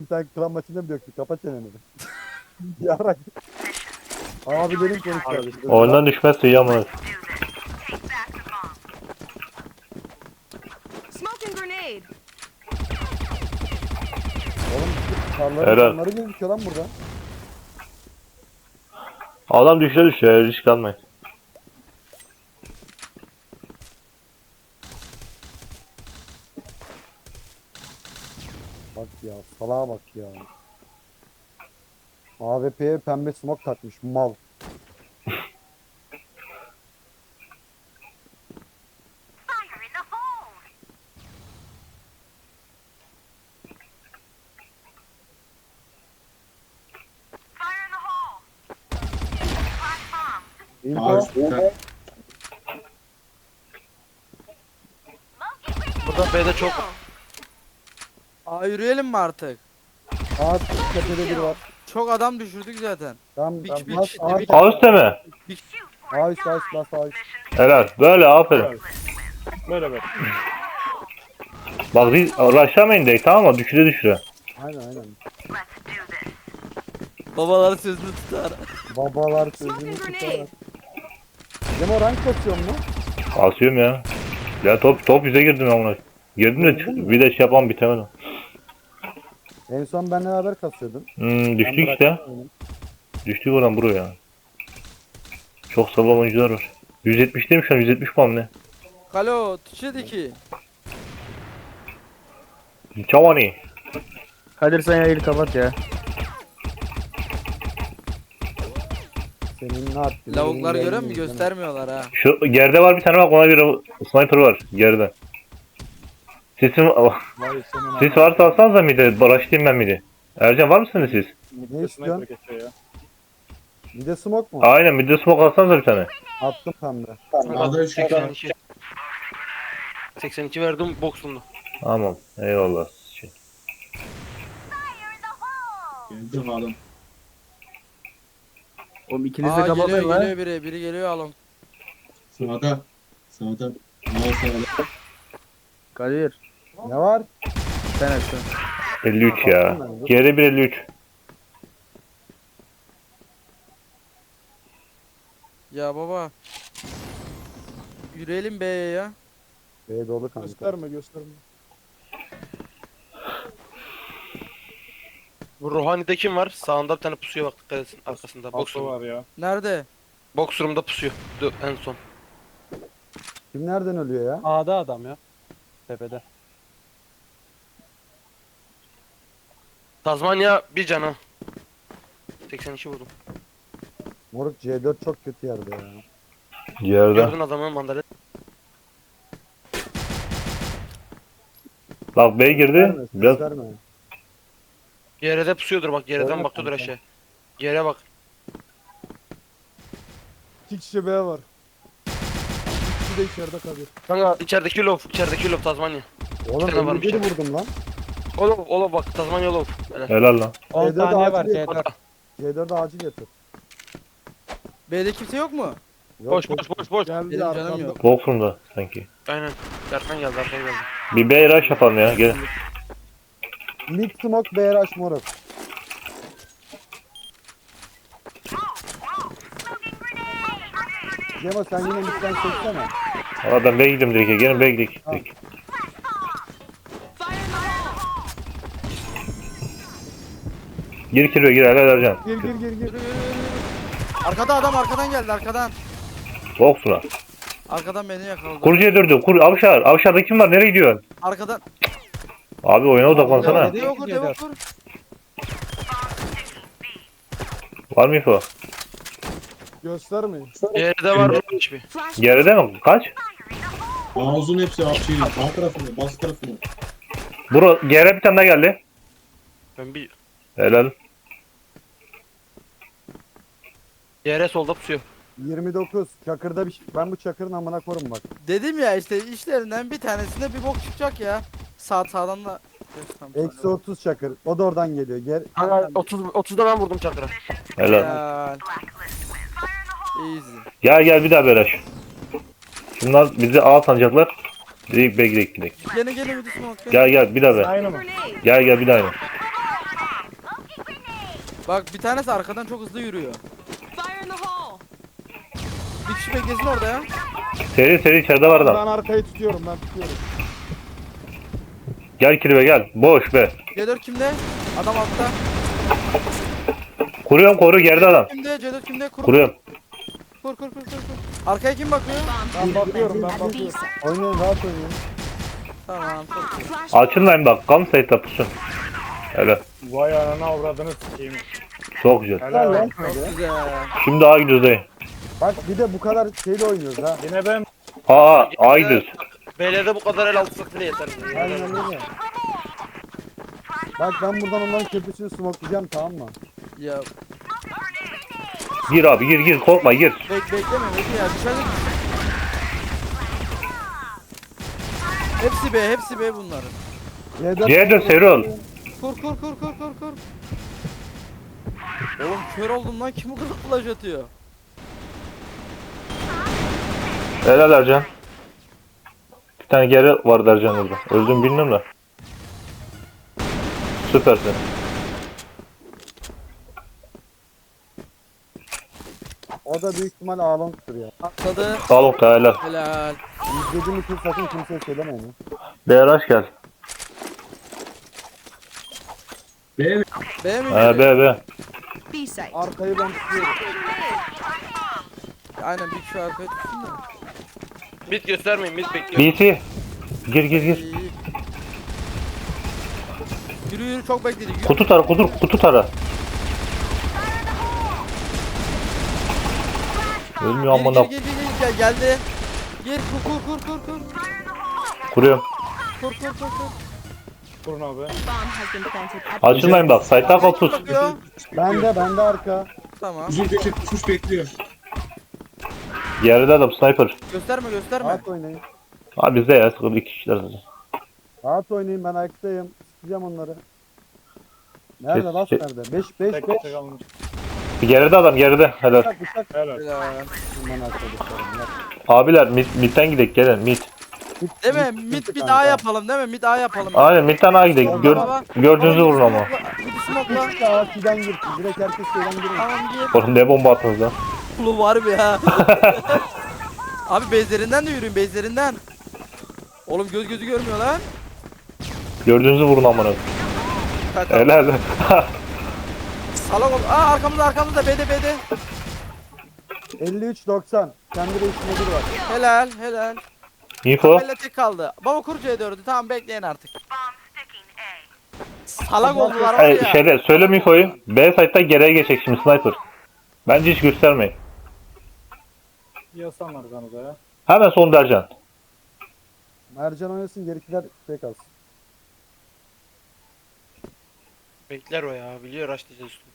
Sen klan maçında mı döktün? Kapat çeneni. Yarak. Abilerim konuşuyor. Oyundan düşmezse iyi ama. Smoking grenade. Oğlum Helal. karları gözüküyor lan burada. Adam düşüyor risk almayın. Bak ya salağa bak ya. AWP'ye pembe smoke takmış mal. Fire in the hole. Fire in the hole. Flash bomb. İlko. Smoking grenade. Burada B'de çok. Aa yürüyelim mi artık? Ağaç tepede biri var. Çok adam düşürdük zaten. Tamam. Bir- bir- Bas bir- ağaç. bir- Ağüste mi? Ağaç bas bas ağaç. Helal. Böyle aferin. Böyle böyle. Bak biz rushlamayın direkt tamam mı? Düşüre. Aynen aynen. Let's do this. Babalar sözünü tutar. Babalar sözünü Smoking tutar. grenade. Demo rank basıyor mu? Asıyorum ya. Ya top yüze girdim ama. Girdim de bir de şey yapamam bitemedim. En son benle beraber kasıyordun. Düştük Ben işte. bıraktım oyunu. Düştük oradan buraya. Çok sağlam oyuncular var. 170'teyim şu an 170 puan ne? Kalo tüçedi ki. Çavani. Kadir sen yayını kapat ya. Senin ne yaptın? Lavuklar Benim görüyor musun? yayınım Göstermiyorlar ha. Şu geride var bir tane bak ona bir sniper var geride. Sesim Vay senin sis varsa alsanıza midi. Başlayayım ben midi. Ercan var mısınız siz? Ne istiyorsun? Bir de smoke mu? Aynen midi smoke alsanıza bir tane. Attım pembe. Sağda 82. 82 verdim boksumda. Tamam. Eyvallah. Fire in the hole. Geldim adam. Oğlum ikiniz de Aa kapatın geliyor lan. geliyor biri. Biri geliyor alın. Sağda. Sağda. Mal sağda. Kadir Ne var? sen açsın. 53 ya. Geride bir 53. Ya baba. Yürüyelim B'ye ya. B dolu kanka. gösterme. Bu Ruhani'de kim var? Sağında bir tane pusuya bak dikkat etsin arkasında. Boksum var ya. Nerede? Boksumda pusuyor. En son. Kim nereden ölüyor ya? A'da adam ya. Tepede. Tazmanya bir canı. 82 vurdum. Moruk C4 çok kötü yerde ya. Geride. Gördün adamı mandalina. Bak B girdi. Verme, ses Biraz verme. Geride pusuyordur bak geriden Oyna bakıyordur kanka. aşağı. Geriye bak. 2 kişi B var. 2 kişi de içeride kalıyor. Kanka içerideki lof Tazmanya. Oğlum Bir tane varmış 51 ya. vurdum lan. Olov bak Tazmanya Olov. helal lan. 10 C4 saniye var acil C4. C4'ü acil getir. B'de kimse yok mu? Yok, Boş yok. boş. Geldi Benim canım arkamda. yok. Boxroom'da sanki. Aynen. Arkan geldi arkaya geldi. Bir B rush yapalım ya. Gelin. Mid smoke B rush moruk. Cemo sen yine midden çeksene. Valla ben B'ye gidiyorum direkt. Ya. Gelin B'ye gidelim. Fire in the hole. Gir kirve gir helal Ercan. Gir. Arkada adam arkadan geldi arkadan. Boxroom'a. Arkadan beni yakaladı. Kurucuya durdu. Avşar. Avşar'da kim var? Nereye gidiyorsun? Arkadan. Abi oyuna odaklansana. Devo kur devo kur. Var mı info? Göstermeyin. Geride var Ruhan hiçbir. Flash Geride mi? Kaç? Ağzın hepsi şey, sağ tarafında, bas tarafında. Bro geri bir tane daha geldi. Ben bir Helal. yere solda pusuyor. 29. Çakırda bir ben bu çakırın amına korum bak. Dedim ya işte işlerinden bir tanesinde bir bok çıkacak ya. Sağdan da. Eksi 30 çakır. O da oradan geliyor. Gel. Kanka 30'da ben vurdum çakıra. Helal. Ya. Easy. Gel bir daha beraş. Şunlar bizi A sanacaklar. Direkt B direkt. Gelin bir de smoke. Gel bir daha be. Aynı mı? grenade. Gel bir daha. Bak bir tanesi arkadan çok hızlı yürüyor. Fire in the hole! Bir kişi beklesin orada ya. Seri içeride var adam. Ben arkayı tutuyorum ben tutuyorum. Gel Kirve gel. Boş be. C4 kimde? Adam altta. Kuruyorum koru geride adam. Kimde? C4 kimde? Kur. Kuruyorum. Kur. Arkaya kim bakıyor? Ben bakıyorum ben bakıyorum. Oynayın rahat oynayın. Tamam. Çok iyi. Flash Açılmayın bak. Kam sayıda pusun. Hele. Vay anana avradını sikeyim. Çok güzel. Helal lan. Çok güzel. Şimdi A gidiyoruz dayı. Bak bir de bu kadar şeyle oynuyoruz ha. Yine ben. A gidiyoruz. B'lerde bu kadar el altı bile yeter. Aynen öyle. Bak ben buradan onların köprüsünü smokelayacağım tamam mı? Ya Gir abi gir korkma gir. bekleme bekle ya. Dışarıda hepsi B bunların. C4 Serol. Kur. Oğlum kör oldum lan, kim bu kadar flash atıyor? Helal Ercan. Bir tane geri var Ercan orada. Öldüm bilmiyorum da. Süpersin. O da büyük ihtimal ağlamdır ya. Atladı. Sağ ol helal. Helal. İzlediğim için sakın kimseye söylemeyin. ya. BRH gel. B mi? B mi? B. B site. Arkayı ben tutuyorum. Aynen bir kişi arkaya tutsun da. Mid göstermeyin mid bekliyorum. BT. Gir. İyi. Yürü çok bekledi. Yürü. Kutu tara. Ölmüyor amına. Gir, geldi. Gir kur. Kuruyorum. Kur. Kurun abi. Bomb has been planted at Açılmayın bak. Site'dan kal pus. Bakıyor. Bende arka. Tamam. Uzun köşe tutmuş bekliyor. Geride adam sniper. Gösterme. Rahat oynayın. Ha bizde ya sıkıntı 2 kişiler zaten. Rahat oynayın ben ayaktayım. Sikeceğim onları. Nerede Kes- last kes- nerede? 5 Tek 5 tek almış. Geride adam geride. Helal. bıçak. Helal. Helal. Ben arkadaşlarım. ya. Abiler midden gidelim gelin mid. Değil mi? Mid A yapalım değil mi? Mid A yapalım. Aynen midden A gidelim. Gördüğünüzü vurun ama. Bir smoke'la. İşte A2'den girsin. Direkt herkes şeyden girin. Tamam gir. Oğlum ne bomba attınız lan. Kulu var bir ya. Abi bezlerinden de yürüyün bezlerinden. Oğlum gözü görmüyor lan. Gördüğünüzü vurun amına. Tamam. Helal. Salak ol. Aa arkamızda B'de. 53-90. Kendi reisinde biri var. Helal. Info. Bella tek kaldı. Baba kur C4'ü. Tamam bekleyin artık. bomb sticking A. Salak oldular var ya. Şeyde söyle infoyu. B site'da geriye geçecek şimdi sniper. Bence hiç göstermeyin. Yasan arkanıza ya. Hemen son Ercan. Mercan oynasın gerikiler şey kalsın. Bekler o ya biliyor açlayacağız üstüne.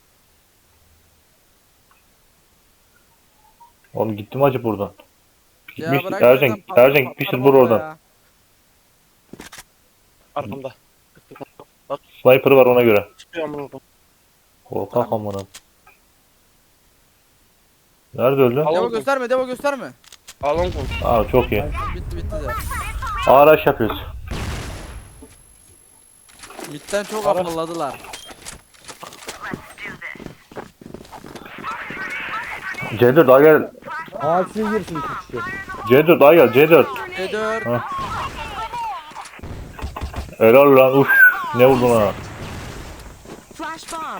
Oğlum gitti mi acı buradan? Ya Gitmiş. bırak Ercan zaten patlar gitmiştir bomba vur oradan. ya. Arkamda. Sniper'ı var ona göre. Çıkıyor amına koyayım. Korkak amına. Nerede öldü? Devo gösterme. Alon konuş. Aa çok iyi. Bitti de. Araç yapıyoruz. Mid'den çok afalladılar. C4 daha gel. A2'ye girsin 2 kişi. C4 daha gel C4. C4. Helal lan uf. Ne vurdun ha? Flash bomb.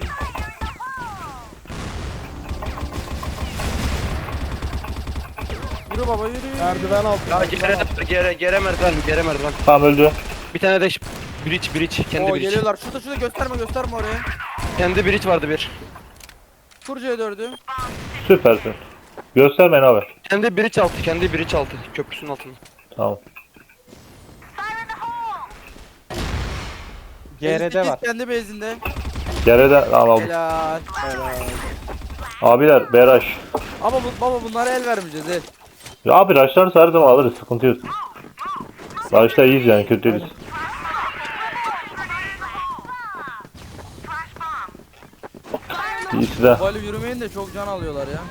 Yürü baba yürü. Merdiven altı. Ya gere merdiven. Tamam öldü. Bir tane de bridge. Kendi Oo bridge. geliyorlar. Şurada gösterme oraya. Kendi bridge vardı bir. Kur C4'ü. Süpersin. Göstermeyin abi. Kendi bridge altı. Köprüsünün altında. Tamam. Fire in the hole! GR'de var. Kendi bezinde. Geride tamam aldım. Helal. Abiler BRH. Ama baba bunlara el vermeyeceğiz el. Ya abi raşlarsa her zaman alırız sıkıntı yok. Raşlar iyiyiz yani kötü değiliz. İyisi de. Böyle yürümeyin de çok can alıyorlar ya.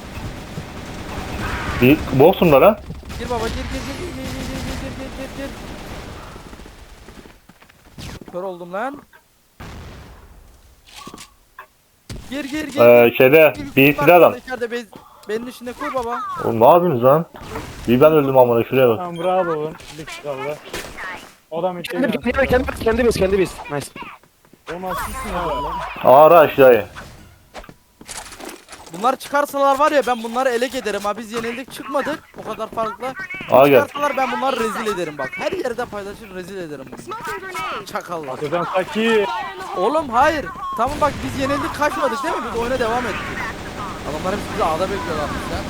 Bir boksumlar ha. Gir baba gir. Kör oldum lan. Gir gir gir. Şeyde BC'de adam. İçeride benim içinde koy baba. Oğlum ne yapıyorsunuz lan? Bir ben öldüm amına şuraya bak. Tamam bravo oğlum. Bir kişi kaldı. O da mitte geldi. Kendi biz. Nice. Oğlum asılsın ya lan. Ağra aşağıya. Bunlar çıkarsalar var ya ben bunları ele ederim ha. Biz yenildik çıkmadık o kadar farklı. Aa gel. Çıkarsalar ben bunları rezil ederim bak. Her yerde paylaşır rezil ederim bunu. Smoking grenade. Çakallar. Atacan Saki. Fire in the hole. Oğlum hayır. Tamam bak biz yenildik kaçmadık değil mi? Biz oyuna devam ettik. Adamlar hepsi bizi A'da bekliyorlar bizden.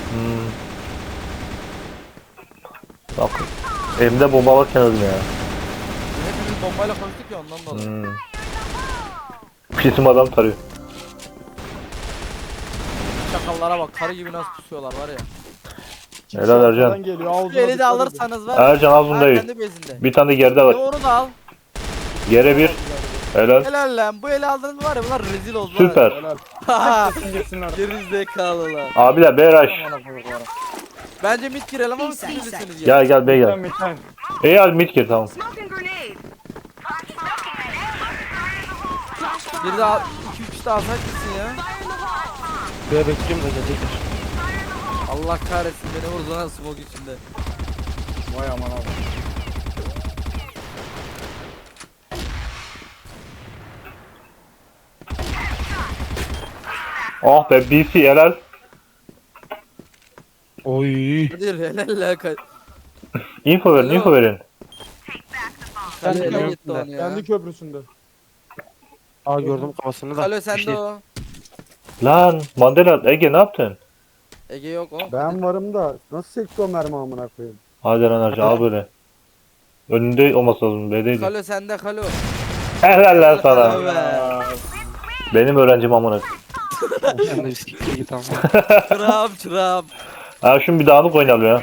Bak. Elimde bomba varken öldüm ya. Hepimiz bombayla koştuk ya ondan dolayı. Pisim adam tarıyor. Çakallara bak karı gibi nasıl pusuyorlar var ya. Helal Ercan. Arkadan geliyor. Ağzına Şu eli de dikkat edin. alırsanız var ya. Ercan az bundayım. Kendi bezinde. Bir tane de geride var. Doğru da al. Yere bir. Helal. Helal lan bu eli aldınız var ya bunlar rezil oldular. Süper. Kesin gitsinler. Gerizekalılar. Abiler BRH. Bence mid girelim ama siz bilirsiniz ya. Gel gel bey Sen gel. bir tane. İyi hadi mid gir tamam. Smoking grenade. Bir daha 2-3 daha alsak gitsin ya. Fire in the hole. Böyle bekliyorum da gelecekler. Allah kahretsin beni vurdu lan smoke içinde. Vay aman abi. Oh be BC helal. Oy. Hadi helal la kay. Info verin info verin. Kale geliyorum. gitti onu ya. Kendi köprüsünde. Aa gördüm kafasını da. Kale Bir sende şey- o. Lan Mandela Ege ne yaptın? Ege yok o. Ben varım da nasıl sekti o mermi amına koyayım. Hadi lan Ercan al böyle. Önünde olması lazım B'deydi. Kalo sende kalo. Helal lan sana. Evet. Benim öğrencim amına. Sen de bir siktir git ama. Çırağım çırağım. Ha şunu bir dağınık oynayalım ya.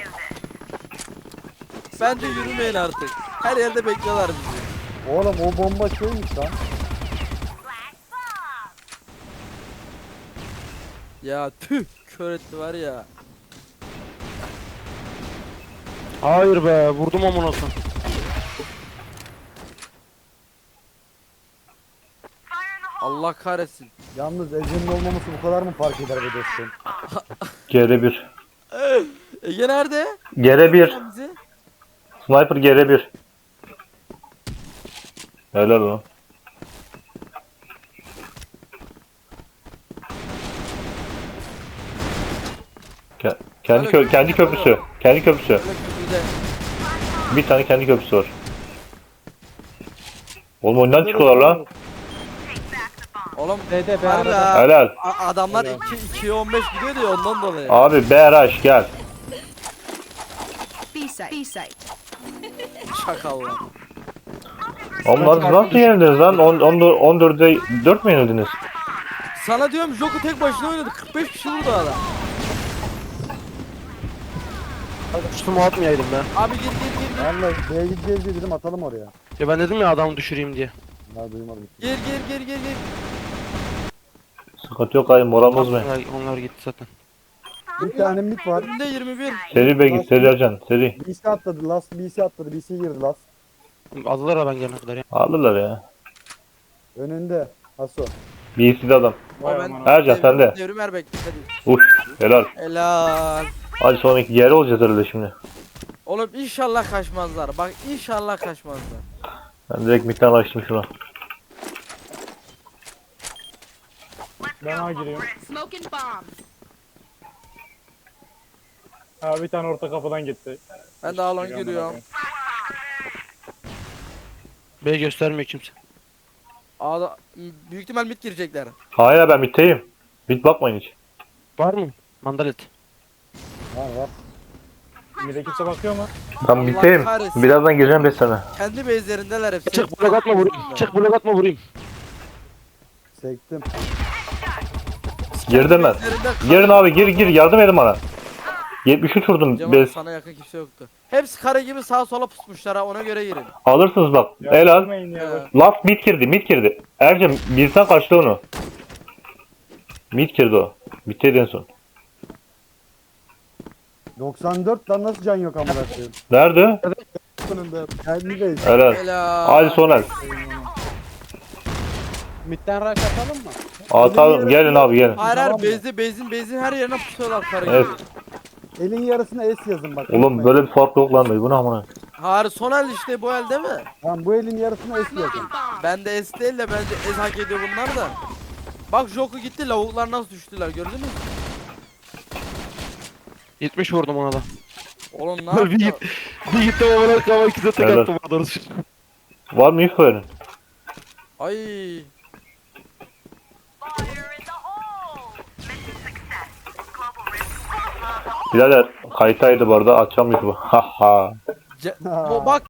Bence yürümeyin artık. Her yerde bekliyorlar bizi. Oğlum o bomba şeymiş lan. Ya tüh kör etti var ya. Hayır be vurdum amına koyayım. Allah kahretsin. Yalnız Ece'nin olmaması bu kadar mı fark eder be dostum? GR1. Ege nerede? GR1. Sen bizi. Sniper GR1. Helal lan. Kendi köprüsü. Kendi köprüsü. Böyle köprüde. Bir tane kendi köprüsü var. Oğlum oyundan çıkıyorlar lan. Oğlum DD be harbi arada. ha. Helal. Adamlar 2'ye 15 gidiyor ya ondan dolayı. Abi BRH gel. Be safe. Be safe. Şakallar. Onlar nasıl yenildiniz lan? 14'de 4 mü yenildiniz? Sana diyorum Joku tek başına oynadı. 45 kişi vurdu adam. Üstüme atmayaydım be. Abi gir gir gir. Ben de B'ye gideceğiz diye dedim atalım oraya. Ya ben dedim ya adamı düşüreyim diye. Ya duymadım. Gir gir gir gir gir. Sıkıntı yok abi moral bozmayın. Onlar gitti zaten. Bir tane mid var. Önünde 21. Seri be git seri Ercan seri. BC atladı. Last BC atladı. BC girdi last. Aldılar ha ben gelene kadar ya. Alırlar ya. Önünde. Haso. BC'de adam. Vay O ben- aman abi. Ercan sen de. Devrim Erbek hadi. Uş helal. Helal. Hadi sonraki yere olacağız herhalde şimdi. Oğlum inşallah kaçmazlar. Bak inşallah kaçmazlar. Ben direkt midden açtım şuna. Ben A giriyorum. Smoking bomb. Ha bir tane orta kapıdan gitti. Ben de alon giriyorum. B göstermiyor kimse. A'da büyük ihtimal mid girecekler. Hayır ben middeyim. Mid bakmayın hiç. Var mı? Mandalet. Var var. Mide kimse bakıyor mu? Ben middeyim. kahretsin. Birazdan gireceğim beslerine. Kendi base'lerindeler hepsi. Çık blok atma vurayım. Çık blok atma vurayım. Sektim. Girdim ben. Base'lerinde Girin abi gir yardım edin bana. 73 vurdum Cemal bez. sana yakın kimse yoktu. Hepsi kare gibi sağa sola pusmuşlar ha ona göre girin. Alırsınız bak. Ya Helal. gitmeyin ya, He. boş. Last mid girdi. Ercan birden kaçtı onu. Mid girdi o. Bittiydi en son. 94 lan nasıl can yok amına koyayım. Nerede? Önünde. Kendi base. Helal. Helal. Hadi Soner. Midden rush atalım mı? Atalım gelin abi gelin. Hayır Tamam hayır mı? bezin her yerine pusuyorlar karı Evet. gibi. Elin yarısına S yazın bak. Oğlum unutmayın. böyle bir fark yok lan bu ne amına. Hayır son el işte bu el değil mi? Tamam bu elin yarısına S yazın. Bomb. Ben de S değil de bence S hak ediyor bunlar da. Bak Joku gitti lavuklar nasıl düştüler gördünüz mü? 70 vurdum ona da. Oğlum ne Bir yaptı? git. Bir gitti babalar kava ikide tek Helal. attım orada. Var mı info verin? Ay. Birader kayıtaydı bu arada açacağım YouTube'u. Ha ha. Bak